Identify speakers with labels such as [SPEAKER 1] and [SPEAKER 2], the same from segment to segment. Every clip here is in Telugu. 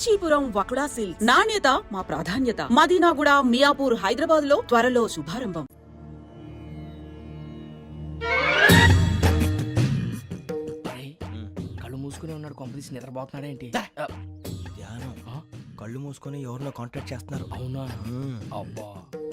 [SPEAKER 1] కాంచీపురం వకుడా సిల్క్స్. నాణ్యత మా ప్రాధాన్యత. మదీనాగూడ, మియాపూర్, హైదరాబాద్ లో త్వరలో శుభారంభం.
[SPEAKER 2] కళ్ళు మూసుకునే ఉన్నాడు, కొంపదీసి నిద్రపోతున్నాడు ఏంటి?
[SPEAKER 3] ధ్యానం కళ్ళు మూసుకొని ఎవరినో కాంటాక్ట్ చేస్తున్నారు.
[SPEAKER 2] అవునా? అబ్బా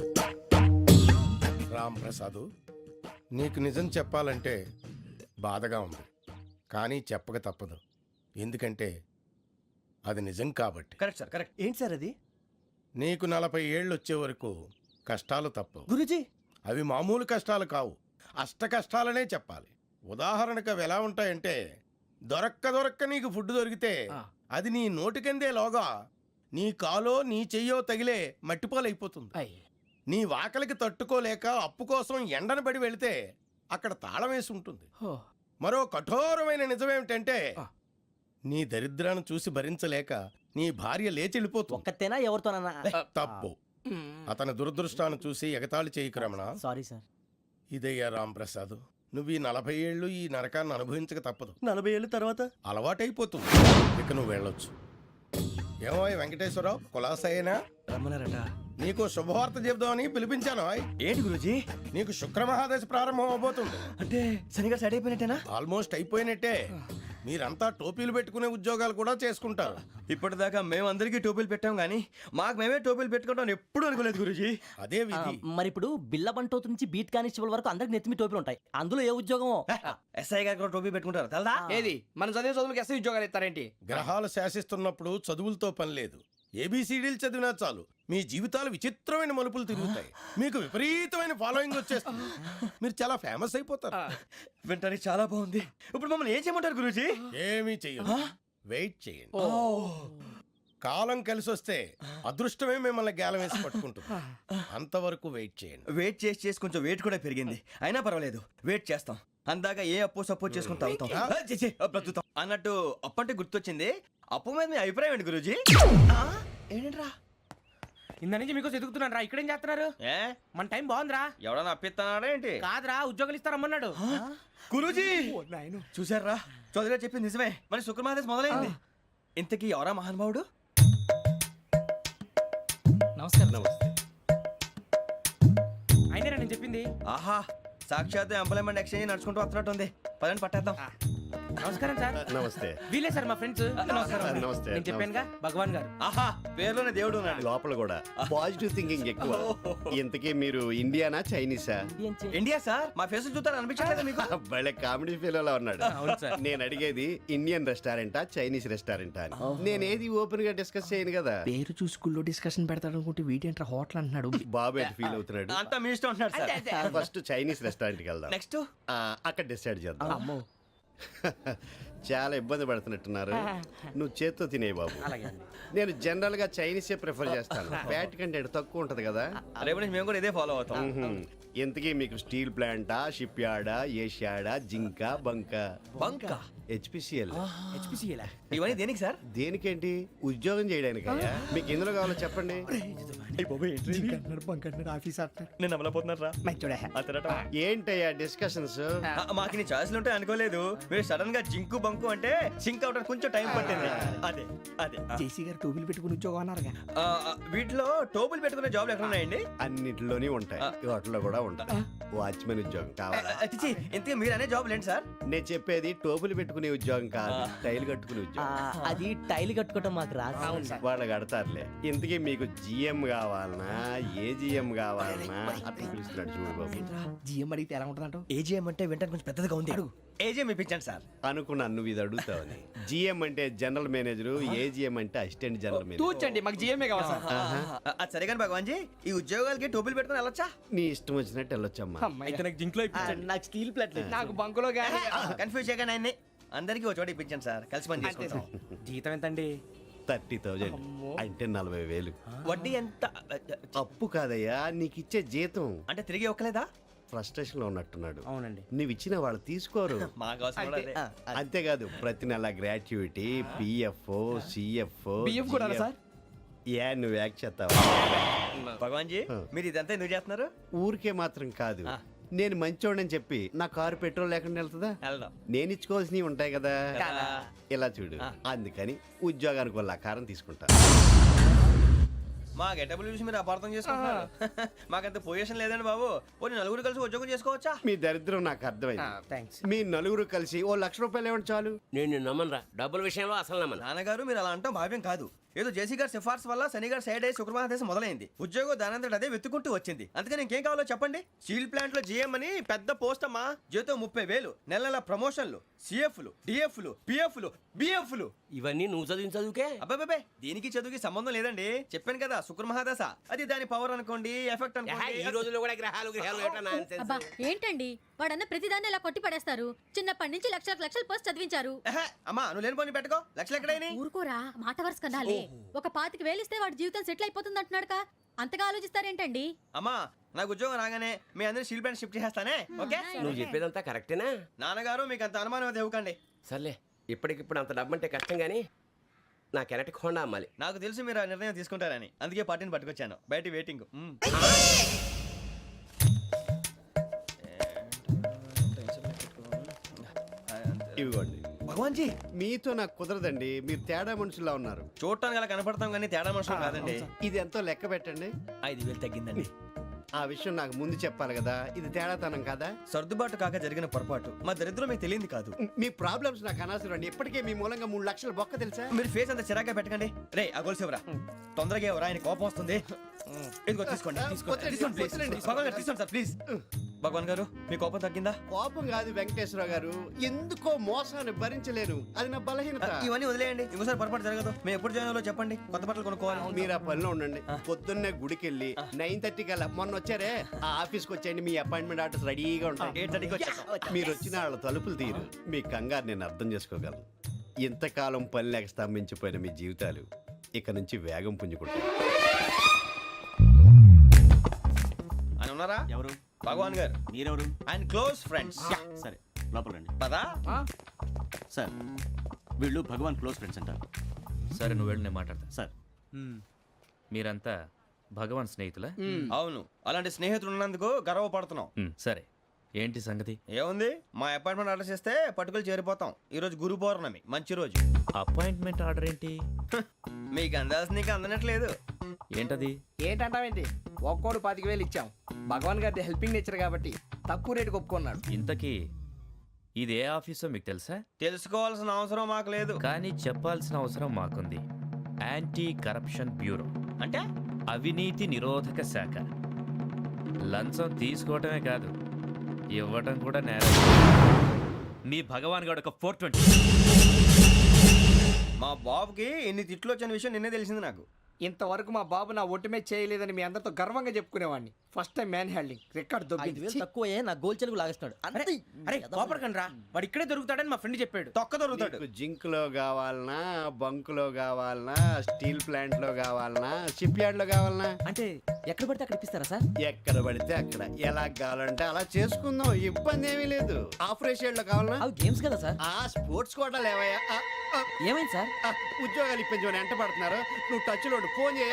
[SPEAKER 4] రామ్ ప్రసాద్, నీకు నిజం చెప్పాలంటే బాధగా ఉంది, కానీ చెప్పక తప్పదు. ఎందుకంటే అది నిజం కాబట్టి.
[SPEAKER 3] Correct sir, correct. ఏంటి సార్ అది?
[SPEAKER 4] నీకు 40 ఏళ్ళు వచ్చే వరకు కష్టాలు తప్పవు
[SPEAKER 3] గురూజీ.
[SPEAKER 4] అవి మామూలు కష్టాలు కావు, అష్ట కష్టాలనే చెప్పాలి. ఉదాహరణకు అవి ఎలా ఉంటాయంటే, దొరక్క నీకు ఫుడ్ దొరికితే అది నీ నోటికందే లోగా నీ కాలో నీ చెయ్యో తగిలే మట్టిపాలైపోతుంది. నీ వాకలికి తట్టుకోలేక అప్పు కోసం ఎండను పడి వెళితే అక్కడ తాళం వేసి ఉంటుంది. మరో కఠోరమైన నిజమేమిటంటే, నీ దరిద్రాన్ని చూసి భరించలేక నీ భార్య లేచి వెళ్ళిపోతుంది.
[SPEAKER 3] ఒక్కతేనా ఎవరితోనన్నా?
[SPEAKER 4] తప్పు. అతని దురదృష్టాన్ని చూసి ఎగతాళి చేయకు రమణ.
[SPEAKER 3] Sorry sir.
[SPEAKER 4] ఇదయ్యా రాంప్రసాద్, నువ్వు ఈ 40 ఏళ్ళు ఈ నరకాన్ని అనుభవించక తప్పదు.
[SPEAKER 3] 40 ఏళ్ళ తర్వాత
[SPEAKER 4] అలవాటైపోతుంది. ఇక నువ్వు వెళ్ళొచ్చు. ఏమో వెంకటేశ్వరరావు, కులాసైనా
[SPEAKER 3] రమ్మన్నారట.
[SPEAKER 4] నీకు శుభవార్త చెబుదామని పిలిపించాను.
[SPEAKER 3] ఏంటి గురూజీ?
[SPEAKER 4] నీకు శుక్రమహాదశ ప్రారంభం అవబోతుంది.
[SPEAKER 3] అంటే శనిగా సెట్ అయిపోయినట్టేనా?
[SPEAKER 4] ఆల్మోస్ట్ అయిపోయినట్టే. మీరంతా టోపీలు పెట్టుకునే ఉద్యోగాలు కూడా చేసుకుంటారు.
[SPEAKER 3] ఇప్పటిదాకా మేమందరికీ టోపీలు పెట్టాం గానీ మాకు మేమే టోపీలు పెట్టుకుంటాం ఎప్పుడు అనుకోలేదు గురూజీ.
[SPEAKER 4] అదే విధి.
[SPEAKER 5] మరి ఇప్పుడు బిల్ల బంటోతు నుంచి బీట్ కానిస్టేబుల్ వరకు అందరికి నెత్తిమి టోపీలు ఉంటాయి. అందులో ఏ ఉద్యోగం?
[SPEAKER 3] ఎస్ఐ గారు కూడా టోపీ పెట్టుకుంటారు తెలదా?
[SPEAKER 2] ఏది మన చదివే చదువులకు ఎస్ఐ ఉద్యోగాలు ఇస్తారేంటి?
[SPEAKER 4] గ్రహాలు శాసిస్తున్నప్పుడు చదువులతో పని లేదు. ఏబిసిడీలు చదివినా చాలు మీ జీవితాలు విచిత్రమైన మలుపులు తిరుగుతాయి. మీకు విపరీతమైన ఫాలోయింగ్ వచ్చేస్తుంది. మీరు చాలా ఫేమస్ అయిపోతారు.
[SPEAKER 3] వింటానికి చాలా బాగుంది. ఇప్పుడు మమ్మల్ని ఏం చేయమంటారు గురూజీ?
[SPEAKER 4] ఏమీ చెయ్యదు, వెయిట్ చేయండి. కాలం కలిసి వస్తే అదృష్టమే మిమ్మల్ని గేలం వేసి పట్టుకుంటుంది. అంతవరకు వెయిట్ చేయండి.
[SPEAKER 3] వెయిట్ చేసి కొంచెం వెయిట్ కూడా పెరిగింది. అయినా పర్వాలేదు, వెయిట్ చేస్తాం. అందాక ఏ అప్పు సపోర్ట్ చేసుకుని తాగుతాం, బ్రతుకుతాం. అన్నట్టు అప్పు అంటే గుర్తొచ్చింది. అప్పు మీద మీ అభిప్రాయం ఏంటి గురూజీ? ఏంటరా
[SPEAKER 2] ఇంత నుంచి మీకు ఎదుగుతున్నాను రా. ఇక్కడేం చేస్తున్నారు?
[SPEAKER 3] ఏ
[SPEAKER 2] మన టైం బాగుందిరా.
[SPEAKER 3] ఎవడన్నా అప్పిస్తున్నాడా ఏంటి?
[SPEAKER 2] కాదురా, ఉద్యోగాలు ఇస్తారమ్మన్నాడు.
[SPEAKER 3] గురూజీ చూసారా, చౌదరిగా చెప్పింది నిజమే. మరి శుక్రమాదేశ్ మొదలైంది. ఇంతకీ ఎవరా మహానుభావుడు?
[SPEAKER 2] నమస్కారం. అయినా నేను చెప్పింది.
[SPEAKER 3] ఆహా, సాక్షాత్ ఎంప్లాయ్మెంట్ ఎక్స్చేంజ్ నడుచుకుంటూ వస్తున్నట్టు ఉంది. పదండి పట్టేద్దాం.
[SPEAKER 2] నమస్కారం సార్.
[SPEAKER 6] నమస్తే.
[SPEAKER 2] వీలే సార్ మా ఫ్రెండ్స్. నమస్కారం.
[SPEAKER 6] నమస్తే.
[SPEAKER 2] నేను చెప్పానుగా, భగవాన్ గారు.
[SPEAKER 3] ఆహా, పేర్లోనే దేవుడు ఉన్నాడు.
[SPEAKER 6] లోపల కూడా పాజిటివ్ థింకింగ్ ఎక్కువ. ఇంతకీ మీరు ఇండియానా చైనీసా?
[SPEAKER 3] India sir. మా ఫేస్ చూస్తారు అనిపించట్లేదు మీకు?
[SPEAKER 6] భలే కామెడీ ఫీల్ అలా ఉన్నాడు.
[SPEAKER 2] అవును సార్.
[SPEAKER 6] నేను అడిగేది ఇండియన్ రెస్టారెంటా చైనీస్ రెస్టారెంటా అని. నేను ఏది ఓపెన్ గా డిస్కస్ చేయను కదా.
[SPEAKER 2] పేరు చూసి స్కూల్లో డిస్కషన్ పెడతాడు అనుకుంటే వీటేంట్రా హోటల్ అంటున్నాడు.
[SPEAKER 6] బాబు ఎట్ ఫీల్ అవుతున్నాడు.
[SPEAKER 3] అంతా మీ ఇష్టం అంటున్నాడు సార్.
[SPEAKER 6] ఫస్ట్ చైనీస్ రెస్టారెంట్ కి వెళ్దాం.
[SPEAKER 3] నెక్స్ట్
[SPEAKER 6] అక్కడ డిసైడ్ చేద్దాం.
[SPEAKER 2] అమ్మో.
[SPEAKER 6] చాలా ఇబ్బంది పడుతున్నట్టున్నారు. నువ్వు చేత్తో తినే బాబు. నేను జనరల్ గా చైనీసే ప్రిఫర్ చేస్తాను. ఫ్యాట్ కంటెంట్ తక్కువ ఉంటది కదా.
[SPEAKER 3] రేపు నుంచి మేము కూడా ఇదే ఫాలో అవుతాం.
[SPEAKER 6] ఎంతకీ మీకు స్టీల్ ప్లాంటా, షిప్ యార్డా, ఏషియాడా, జింక,
[SPEAKER 3] బంక,
[SPEAKER 6] హెచ్పిసిఎల్?
[SPEAKER 3] ఇవన్నీ దేనికి సార్?
[SPEAKER 6] దేనికేంటి? ఉద్యోగం చేయడానికి. మీకు ఎందులో కావాలో చెప్పండి.
[SPEAKER 3] నేను అమలపోతున్నారా?
[SPEAKER 6] ఏంటయ్యా డిస్కషన్స్?
[SPEAKER 3] మాకు నీ ఛాయిస్లు ఉంటాయి అనుకోలేదు. మీరు సడన్ గా జింకు బంకు అంటే సింక్ అవడానికి కొంచెం టైం పట్టింది. అదే అదే
[SPEAKER 2] జేసీ గారు టోపీలు పెట్టుకుని ఉద్యోగం అన్నారుగా.
[SPEAKER 3] వీటిలో టోపులు పెట్టుకునే జాబ్లు ఎక్కడ ఉన్నాయండి?
[SPEAKER 6] అన్నిటిలోనే ఉంటాయి, వాటిలో కూడా ఉంటాయి. వాచ్మెన్ ఉద్యోగం కావాలా?
[SPEAKER 3] ఇంతకీ మీరు అనే జాబ్ ఏంటి సార్?
[SPEAKER 6] నేను చెప్పేది టోపులు పెట్టుకునే ఉద్యోగం కాదు, టైల్ కట్టుకునే ఉద్యోగం.
[SPEAKER 5] అది టైల్ కట్టుకోవటం మాకు రాదు.
[SPEAKER 6] వాళ్ళు కడతారులే. ఇంతకీ మీకు జిఎం కావాలనా, ఏజిఎం కావాలనా? అట్లా పిలుస్తున్నాడు చూడు బాబు.
[SPEAKER 2] జిఎం అడిగితే ఎలా ఉంటుందంట?
[SPEAKER 3] ఏజీఎం అంటే వింటానికి కొంచెం పెద్దదిగా ఉంది. ఏజీఎం ఇప్పించండి సార్.
[SPEAKER 6] అనుకున్నాను నువ్వు ఇది అడుగుతావని. జిఎం అంటే జనరల్ మేనేజర్, ఏజిఎం అంటే అసిస్టెంట్ జనరల్ మేనేజర్.
[SPEAKER 2] తూచండి, మాకు జిఎంఏ కావాలి సార్.
[SPEAKER 3] అది సరే కానీ భగవాన్ జీ, ఈ ఉద్యోగాలకి టోపులు పెట్టుకుని వెళ్ళొచ్చా?
[SPEAKER 6] నీ ఇష్టం వచ్చినట్టు వెళ్ళొచ్చమ్మా.
[SPEAKER 2] అయితే నాకు జింక్లో ఇప్పించండి.
[SPEAKER 5] నాకు స్టీల్ ప్లేట్
[SPEAKER 2] నాకు బంకులో గానీ.
[SPEAKER 3] కన్ఫ్యూజ్ చేయగానే ఆయన్ని అందరికీ ఒక చోట ఇప్పించండి సార్. కలిసి పని చేసుకుంటాం.
[SPEAKER 2] జీతం ఎంతండి?
[SPEAKER 6] 30,000 అంటే 40,000.
[SPEAKER 3] వడ్డీ ఎంత?
[SPEAKER 6] అప్పు కాదయ్యా, నీకు ఇచ్చే జీతం.
[SPEAKER 3] అంటే తిరిగి ఒక్కలేదా?
[SPEAKER 6] ఫ్రస్ట్రేషన్ లో ఉన్నట్టున్నాడు.
[SPEAKER 2] అవునండి.
[SPEAKER 6] నువ్వు ఇచ్చిన వాళ్ళు తీసుకోరు.
[SPEAKER 3] మాకు అవసరం కూడా అదే.
[SPEAKER 6] అంతేకాదు ప్రతి నెల గ్రాట్యుటీ, పిఎఫ్, సిఎఫ్.
[SPEAKER 2] బియ్యం కూడా సార్?
[SPEAKER 6] ఏ నువ్వు యాక్ట్ చేస్తావా?
[SPEAKER 3] భగవాన్ జీ, మీరు ఇదంతా ఎందుకు చేస్తున్నారు?
[SPEAKER 6] ఊరికే మాత్రం కాదు, నేను మంచోడని చెప్పి నా కారు పెట్రోల్ లేకుండా వెళ్తుందా?
[SPEAKER 3] వెళ్దాం.
[SPEAKER 6] నేను ఇచ్చుకోవాల్సినవి ఉంటాయి కదా.
[SPEAKER 3] కదా.
[SPEAKER 6] ఇలా చూడు, అందుకని ఉద్యోగానికి వాళ్ళ ఆకారం తీసుకుంటా.
[SPEAKER 3] మా గెటబుల్ చూసి మీరు అపార్థం చేసుకుంటున్నారు. మాకంత పొజిషన్ లేదండి బాబు. పోనీ నలుగురు కలిసి ఉద్యోగం చేసుకోవచ్చా?
[SPEAKER 6] మీ దరిద్రం నాకు అర్థమైంది.
[SPEAKER 2] థ్యాంక్స్.
[SPEAKER 6] మీ నలుగురు కలిసి ఓ ₹1,00,000 ఇవ్వండి చాలు.
[SPEAKER 7] నేను నమ్మనరా, డబ్బుల విషయంలో అసలు నమ్మను.
[SPEAKER 3] నాన్నగారు మీరు అలా అంటాం భావ్యం కాదు. ఏదో జేసీ గారి సిఫార్సు వల్ల శని గారు సైడ్ అయ్యి శుక్రవారం మొదలైంది. ఉద్యోగం దానంతటి అదే వెతుకుంటూ వచ్చింది. అందుకని ఇంకేం కావాలో చెప్పండి. స్టీల్ ప్లాంట్ లో జీఎం అని పెద్ద పోస్ట్ అమ్మా. జీతం 30,000, నెల నెల ప్రమోషన్లు, సిఎఫ్లు, డిఎఫ్లు, పిఎఫ్లు, బిఎఫ్లు.
[SPEAKER 7] ఇవన్నీ నువ్వు చదివిన చదువుకే.
[SPEAKER 3] అబ్బాబే దీనికి చదువుకి సంబంధం లేదండి. చెప్పాను కదా శుక్ర మహాదశ. అది దాని పవర్ అనుకోండి, ఎఫెక్ట్
[SPEAKER 7] ఈ
[SPEAKER 3] అనుకోండి.
[SPEAKER 7] రోజుల్లో కూడా గ్రహాలు ఏటా nonsense?
[SPEAKER 8] అబ్బా ఏంటండి వాడన్న ప్రతిదాన్ని ఇలా కొట్టి పడేస్తారు. చిన్నప్పటి నుంచి లక్షల పోస్ట్ చదివించారు.
[SPEAKER 3] ఎహె, అమ్మా నువ్వు లేని పోనీ పెట్టుకో. లక్షలు ఎక్కడైనా
[SPEAKER 8] ఊరుకోరా, మాట వరుస కదాలే. ఒక 25,000 ఇస్తే వాడి జీవితం సెటిల్ అయిపోతుంది అంటున్నాడుగా. అంతగా ఆలోచిస్తారేంటండి?
[SPEAKER 3] అమ్మా నాకు ఉద్యోగం రాగానే మీ అందరూ స్టీల్ ప్లాంట్ షిఫ్ట్ చేస్తానే. ఓకే
[SPEAKER 7] నువ్వు చెప్పేదంతా కరెక్టేనా?
[SPEAKER 3] నాన్నగారు మీకు అంత అనుమానం అయితే ఇవ్వకండి.
[SPEAKER 7] సర్లే, ఇప్పటికిప్పుడు అంత డబ్బు అంటే కష్టం కానీ నా కెనటిక్ హోండా అమ్మాలి.
[SPEAKER 3] నాకు తెలుసు మీరు ఆ నిర్ణయం తీసుకుంటారని, అందుకే పార్టీని పట్టుకొచ్చాను. బయట వెయిటింగ్.
[SPEAKER 6] ఇవ్వండి.
[SPEAKER 3] భగవాన్ జీ
[SPEAKER 6] మీతో నాకు కుదరదండి, మీరు తేడా మనుషుల్లా ఉన్నారు.
[SPEAKER 3] చూడటానికి అలా కనపడతాం కానీ తేడా మనుషులు కాదండి.
[SPEAKER 6] ఇది ఎంతో లెక్క పెట్టండి.
[SPEAKER 3] 5,000 తగ్గిందండి.
[SPEAKER 6] ఆ విషయం నాకు ముందు చెప్పాలి కదా. ఇది తేడాతనం కదా.
[SPEAKER 3] సర్దుబాటు కాక జరిగిన పొరపాటు. మా దరిద్రం మీకు తెలియంది కాదు.
[SPEAKER 6] మీ ప్రాబ్లమ్స్ నాకు అనవసరం అండి. ఇప్పటికే మీ మూలంగా 3 లక్షలు బొక్క తెలుసా?
[SPEAKER 3] మీరు ఫేస్ అంత చిరాగ్గా పెట్టకండి. రే ఆ గొలుసు ఎవరా? తొందరగా ఎవరా? ఆయన కోపం వస్తుంది. ఇదిగో తీసుకోండి.
[SPEAKER 6] వద్దండి,
[SPEAKER 3] తీసుకోండి ప్లీజ్.
[SPEAKER 6] వద్దండి.
[SPEAKER 3] భగవాన్ గారు తీసుకోండి సార్ ప్లీజ్. భగవాన్ గారు మీ కోపం తగ్గిందా?
[SPEAKER 6] కోపం కాదు వెంకటేశ్వరరావు గారు, ఎందుకో మోసాన్ని భరించలేను. అది నా బలహీనత.
[SPEAKER 3] ఇవన్నీ వదిలేయండి. ఇంకోసారి పొరపాటు జరగదు. మేము ఎప్పుడు జాయిన్ అవ్వాలో చెప్పండి. కొత్త బట్టలు కొనుక్కోవాలి.
[SPEAKER 6] మీరు ఆ పనిలో ఉండండి. పొద్దున్నే గుడికి వెళ్ళి 9:30 కల్లా, మొన్న వచ్చారే ఆ ఆఫీస్కి వచ్చేయండి. మీ అపాయింట్మెంట్ ఆర్డర్స్ రెడీగా ఉంటాయి.
[SPEAKER 3] 8:30కి వచ్చేస్తాం.
[SPEAKER 6] మీరు వచ్చిన వాళ్ళ తలుపులు తీరు. మీ కంగారు నేను అర్థం చేసుకోగలను. ఇంతకాలం పని లేక స్తంభించిపోయిన మీ జీవితాలు ఇక నుంచి వేగం పుంజుకుంటాయి.
[SPEAKER 3] ఆయన ఉన్నారా?
[SPEAKER 9] ఎవరు?
[SPEAKER 3] భగవాన్ గారు.
[SPEAKER 9] మీరెవరు?
[SPEAKER 3] ఆయన క్లోజ్ ఫ్రెండ్స్.
[SPEAKER 9] సరే లోపల రండి.
[SPEAKER 3] పదా
[SPEAKER 9] సార్ వీళ్ళు భగవాన్ క్లోజ్ ఫ్రెండ్స్ అంటారు.
[SPEAKER 10] సరే నువ్వు వెళ్ళి నేను మాట్లాడతా.
[SPEAKER 9] సార్
[SPEAKER 10] మీరంతా భగవాన్ స్నేహితులా?
[SPEAKER 3] అవును, అలాంటి స్నేహితులు ఉన్నందుకు గర్వపడుతున్నాం.
[SPEAKER 10] సరే ఏంటి సంగతి?
[SPEAKER 3] ఏముంది, మా అపాయింట్మెంట్ ఆర్డర్ చేస్తే పట్టుకులు చేరిపోతాం. ఈ రోజు గురు పౌర్ణమి, మంచి రోజు.
[SPEAKER 10] అపాయింట్మెంట్ ఆర్డర్ ఏంటి?
[SPEAKER 3] మీకు అందాల్సిన నీకు అందనట్లేదు.
[SPEAKER 10] ఏంటది?
[SPEAKER 2] ఏంటంటావేంటి? ఒక్కోడు 25,000 ఇచ్చాం. భగవాన్ గారి హెల్పింగ్ నేచర్ కాబట్టి తక్కువ రేటుకి ఒప్పుకున్నాడు.
[SPEAKER 10] ఇంతకీ ఇది ఏ ఆఫీసో మీకు తెలుసా?
[SPEAKER 3] తెలుసుకోవాల్సిన అవసరం మాకు లేదు.
[SPEAKER 10] కానీ చెప్పాల్సిన అవసరం మాకుంది. యాంటీ కరప్షన్ బ్యూరో,
[SPEAKER 3] అంటే
[SPEAKER 10] అవినీతి నిరోధక శాఖ. లంచం తీసుకోవటమే కాదు, ఇవ్వటం కూడా నేరం. మీ భగవాన్ గారు ఒక 420.
[SPEAKER 3] మా బాబుకి ఎన్ని తిట్లు వచ్చిన విషయం నిన్నే తెలిసింది నాకు.
[SPEAKER 2] ఇంతవరకు మా బాబు నా ఒట్టుమే చేయలేదని మీ అందరితో గర్వంగా చెప్పుకునేవాడిని. First time man handing record
[SPEAKER 5] 5,000 తక్కువే నా గోల్ చెలుగు లాగేస్తున్నాడు. అంతే.
[SPEAKER 2] అరే కోపడకండి రా, వాడు ఇక్కడే దొరుకుతాడని మా ఫ్రెండ్ చెప్పాడు.
[SPEAKER 3] తొక్క దొరుకుతాడు.
[SPEAKER 6] మీకు జింక్ లో కావాలనా, బంక్ లో కావాలనా, స్టీల్ ప్లాంట్ లో కావాలనా, షిప్ యార్డ్ లో కావాలనా?
[SPEAKER 5] అంటే ఎక్కడ పడితే అక్కడ ఇప్పిస్తారా సార్?
[SPEAKER 6] ఎక్కడ పడితే అక్కడ, ఎలా కావాలంటే అలా చేసుకుందాం. ఇబ్బంది ఏమీ లేదు. ఆపరేషన్ లో కావాలనా?
[SPEAKER 5] అవి గేమ్స్ కదా సార్.
[SPEAKER 6] ఆ స్పోర్ట్స్ కోటా లేవయ్యా.
[SPEAKER 5] ఏమైంది సార్?
[SPEAKER 6] ఉద్యోగాలు ఇప్పించమని ఎంట పడుతున్నారు. నువ్వు టచ్ లో ఫోన్ చేయ.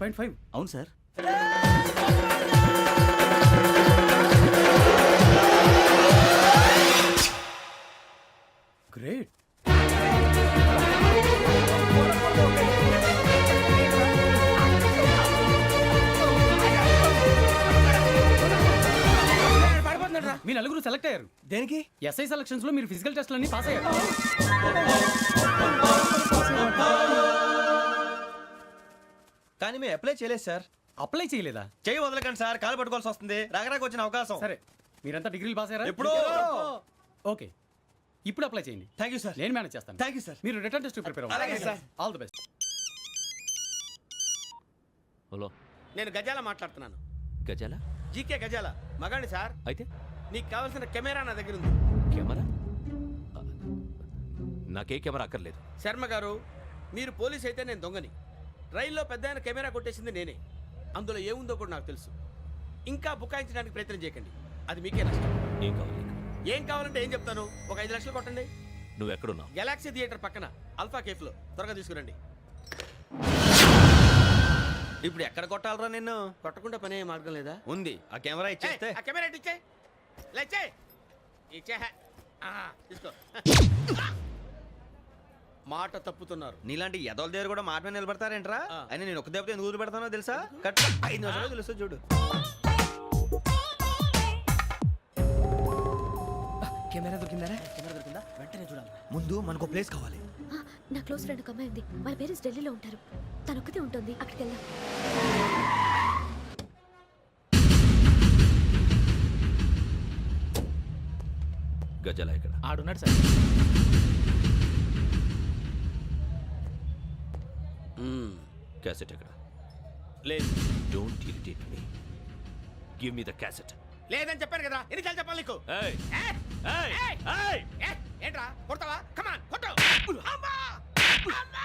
[SPEAKER 9] 9.5 అవును సార్. గ్రేట్.
[SPEAKER 2] మీ నలుగురు సెలెక్ట్ అయ్యారు.
[SPEAKER 3] దేనికి?
[SPEAKER 2] ఎస్ఐ సెలక్షన్స్ లో మీరు ఫిజికల్ టెస్ట్లన్నీ పాస్ అయ్యారు.
[SPEAKER 3] కానీ మేము అప్లై చేయలేదు సార్.
[SPEAKER 2] అప్లై చేయలేదా?
[SPEAKER 3] చెయ్యి వదలకండి సార్, కాలు పట్టుకోవాల్సి వస్తుంది. రాగరాకు వచ్చిన అవకాశం.
[SPEAKER 2] సరే, మీరంతా డిగ్రీలు పాస్ అయ్యారా?
[SPEAKER 3] ఎప్పుడో.
[SPEAKER 2] ఓకే, ఇప్పుడు అప్లై చేయండి.
[SPEAKER 3] Thank you sir.
[SPEAKER 2] నేను మేనేజ్ చేస్తాను.
[SPEAKER 3] Thank you sir.
[SPEAKER 2] మీరు రిటర్న్ టెస్ట్ ప్రిపేర్
[SPEAKER 3] అలాగే
[SPEAKER 2] అవ్వండి.
[SPEAKER 3] Sir.
[SPEAKER 2] All the best.
[SPEAKER 10] Hello,
[SPEAKER 6] నేను గజాల మాట్లాడుతున్నాను.
[SPEAKER 10] గజాల?
[SPEAKER 6] జీకే గజాల మగాండి సార్.
[SPEAKER 10] అయితే
[SPEAKER 6] నీకు కావాల్సిన కెమెరా నా దగ్గర ఉంది.
[SPEAKER 10] కెమెరా? నాకే కెమెరా అక్కర్లేదు.
[SPEAKER 6] శర్మ గారు, మీరు పోలీస్ అయితే నేను దొంగని. రైల్లో పెద్ద ఆయన కెమెరా కొట్టేసింది నేనే. అందులో ఏముందో కూడా నాకు తెలుసు. ఇంకా బుకాయించడానికి ప్రయత్నం చేయకండి, అది మీకే నష్టం.
[SPEAKER 10] ఏం కావాలి నీకు?
[SPEAKER 6] ఏం కావాలంటే ఏం చెప్తాను. ఒక 5 లక్షలు కొట్టండి.
[SPEAKER 10] నువ్వు ఎక్కడున్నావు?
[SPEAKER 6] గెలాక్సీ థియేటర్ పక్కన అల్ఫా కేఫ్లో. త్వరగా తీసుకురండి.
[SPEAKER 3] ఇప్పుడు ఎక్కడ కొట్టాలరా నిన్ను?
[SPEAKER 6] కొట్టకుండా పనే మార్గం లేదా?
[SPEAKER 3] ఉంది, ఆ కెమెరా ఇచ్చేస్తే.
[SPEAKER 6] ఆ కెమెరా ఇచ్చే లేచే ఇచ్చే. తీసుకో. మాట తప్పుతున్నారు.
[SPEAKER 3] నీలాంటి ఎదల దగ్గర కూడా మాట మీద నిలబడతారేంట్రా?
[SPEAKER 6] ఆ.
[SPEAKER 3] అయినా నేను ఒక దెబ్బతో ఎందుకు పెడతానో తెలుసా? కరెక్ట్ 5 నిమిషాలు తెలుసు చూడు.
[SPEAKER 2] కెమెరా దొరికిందా?
[SPEAKER 5] వెంటనే చూడాలి.
[SPEAKER 3] ముందు మనకు ప్లేస్ కావాలి.
[SPEAKER 8] నా క్లోజ్ ఫ్రెండ్ ఒక అమ్మాయి ఉంది. వాళ్ళ పేరెంట్స్ ఢిల్లీలో ఉంటారు. తను ఒక్కతే ఉంటుంది. అక్కడికి వెళ్దాం.
[SPEAKER 10] గజాల ఇక్కడ
[SPEAKER 2] ఆడున్నాడు సార్.
[SPEAKER 10] క్యాసెట్ ఎక్కడ?
[SPEAKER 6] లేదు.
[SPEAKER 10] Don't irritate me. Give me the cassette.
[SPEAKER 6] లేదని చెప్పాను కదా, ఎన్నిసార్లు చెప్పాలి నీకు?
[SPEAKER 10] ఏయ్
[SPEAKER 6] ఏ?
[SPEAKER 10] ఏయ్
[SPEAKER 6] ఏయ్!
[SPEAKER 10] ఏయ్!
[SPEAKER 6] ఏ? ఏంట్రా కొడతావా? కమాన్ కొట్టు. అమ్మా! అమ్మా!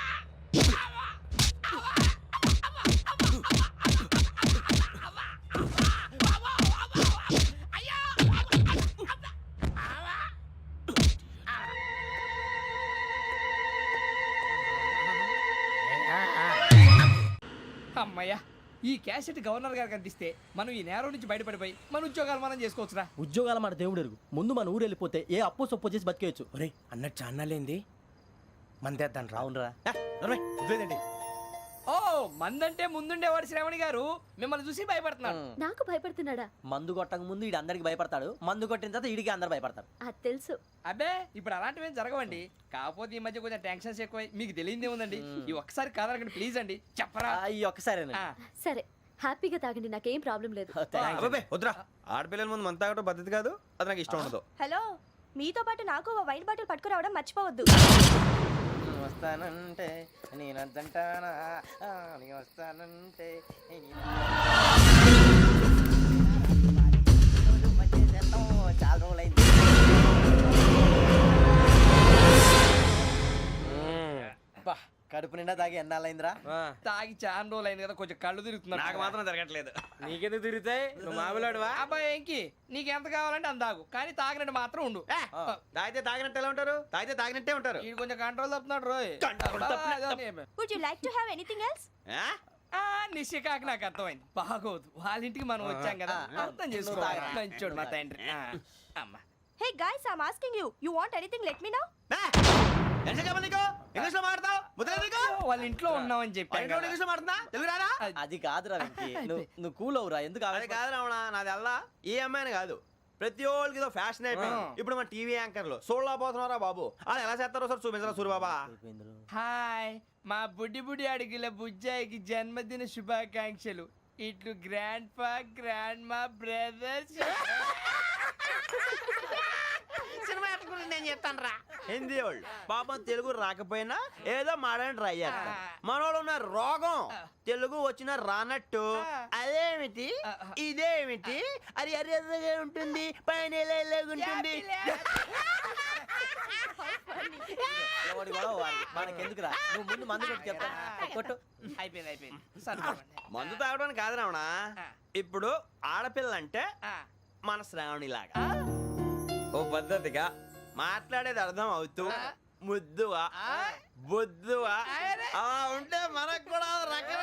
[SPEAKER 2] అమ్మయ్యా, ఈ క్యాసెట్ గవర్నర్ గారికి అందిస్తే మనం ఈ నేరం నుంచి బయటపడిపోయి మన ఉద్యోగాలు మనం చేసుకోవచ్చురా.
[SPEAKER 5] ఉద్యోగాల మాట దేవుడు ఎరుగు. ముందు మన ఊరు వెళ్ళిపోతే ఏ అప్పు సొప్పు చేసి బతికేయచ్చు.
[SPEAKER 2] ఒరే అన్నట్టు చాన్నాలేంది మందేద్దాను రా.
[SPEAKER 5] అవునరా?
[SPEAKER 3] వదిలేదండి.
[SPEAKER 2] ఓ, మందంటే ముందుండేవాడు శ్రావణి గారు మిమ్మల్ని చూసి భయపడుతున్నాడు.
[SPEAKER 8] నాకు భయపడుతున్నాడా?
[SPEAKER 5] మందు కొట్టక ముందు ఈడు అందరికి భయపడతాడు. మందు కొట్టిన తర్వాత ఈడికి అందరు భయపడతారు.
[SPEAKER 8] అది తెలుసు.
[SPEAKER 2] అబ్బే, ఇప్పుడు అలాంటివి ఏం జరగవండి. కాకపోతే ఈ మధ్య కొంచెం టెన్షన్స్ ఎక్కువ. మీకు తెలియదే ఉందండి. ఈ ఒక్కసారి కాదనకండి ప్లీజ్ అండి, చెప్పరా.
[SPEAKER 5] ఈ ఒక్కసారి
[SPEAKER 2] ఆ,
[SPEAKER 8] సరే, హ్యాపీగా తాగండి. నాకేం ప్రాబ్లం లేదు.
[SPEAKER 3] అబ్బాబే వద్దురా, ఆడపిల్లల ముందు మంత తాగడం పద్ధతి కాదు. అది నాకు ఇష్టం ఉండదు.
[SPEAKER 8] హలో, మీతో పాటు నాకు వైన్ బాటిల్ పట్టుకురావడం మర్చిపోవద్దు.
[SPEAKER 5] వస్తానంటే నేనంటానా, వస్తానంటే చాలా రోజులైంది. కడుపు నిండా తాగి ఎన్నాళ్ళైందిరా?
[SPEAKER 2] తాగి చాలా రోజులు అయింది కదా, కొంచెం కళ్ళు తిరుగుతున్నాడు.
[SPEAKER 3] నాకు మాత్రం జరగట్లేదు.
[SPEAKER 2] నీకెందుకు తిరుగుతాయి? నువ్వు మామిలాడువా? అబ్బాయి ఏంకి నీకు ఎంత కావాలంటే అంత తాగు, కానీ తాగినట్టు మాత్రం ఉండు.
[SPEAKER 3] తాగితే తాగినట్టు ఎలా ఉంటారు? తాగితే తాగినట్టే ఉంటారు.
[SPEAKER 2] వీడు కొంచెం కంట్రోల్ తప్పుతున్నాడు రోయ్.
[SPEAKER 8] Would you like to have anything else?
[SPEAKER 2] నిశ్చికాకి నాకు అర్థమైంది. బాగోదు, వాళ్ళ ఇంటికి మనం వచ్చాం కదా, అర్థం చేసుకోవాలి. మంచోడు మా తండ్రి. అమ్మా,
[SPEAKER 8] hey guys, I am asking you, you want anything let me know.
[SPEAKER 3] English లో మాట్లాడతావు?
[SPEAKER 2] వాళ్ళ ఇంట్లో ఉన్నామని చెప్పాను కదా.
[SPEAKER 3] ఇంగ్లీష్ లో మాట్లాడుతున్నా? తెలుగు రాదా?
[SPEAKER 5] అది కాదురా వెంకీ, నువ్వు కూల్ అవురా. ఎందుకు
[SPEAKER 3] అదే కాదు రావణ, నాది అల్లా ఏ అమ్మాయిని కాదు, ప్రతి ఒక్కరికి ఇదో ఫ్యాషన్ అయిపోయింది. ఇప్పుడు మన టీవీ యాంకర్లు సోళ్ళ పోతున్నారా బాబు, అది ఎలా చేస్తారో సార్ చూపించరా సూరిబాబా.
[SPEAKER 2] హాయ్, మా బుడ్డి బుడ్డి అడిగిల బుజ్జాయికి జన్మదిన శుభాకాంక్షలు. ఇట్లు గ్రాండ్ ఫా, గ్రాండ్ మా, బ్రదర్స్.
[SPEAKER 3] సినిమా గురించి నేను చెప్తాను రా. హిందీ వాళ్ళు పాపం తెలుగు రాకపోయినా ఏదో మాడని ట్రై చేస్తారు. మనోళ్ళు ఉన్న రోగం తెలుగు వచ్చిన రానట్టు. అదేమిటి ఇదేమిటి, అది అరిగా ఉంటుంది, పైన ఉంటుంది.
[SPEAKER 5] మనకెందుకురా, నువ్వు ముందు మందు కొట్టి చెప్తా. కొట్టు.
[SPEAKER 2] అయిపోయింది.
[SPEAKER 3] మందు తాగడానికి కాదు రావణ. ఇప్పుడు ఆడపిల్లంటే మన శ్రావణి లాగా ఓ పద్ధతిగా మాట్లాడేది అర్థం అవుతూ ముద్దువా బొద్దువా అలా ఉంటే మనకు కూడా రకం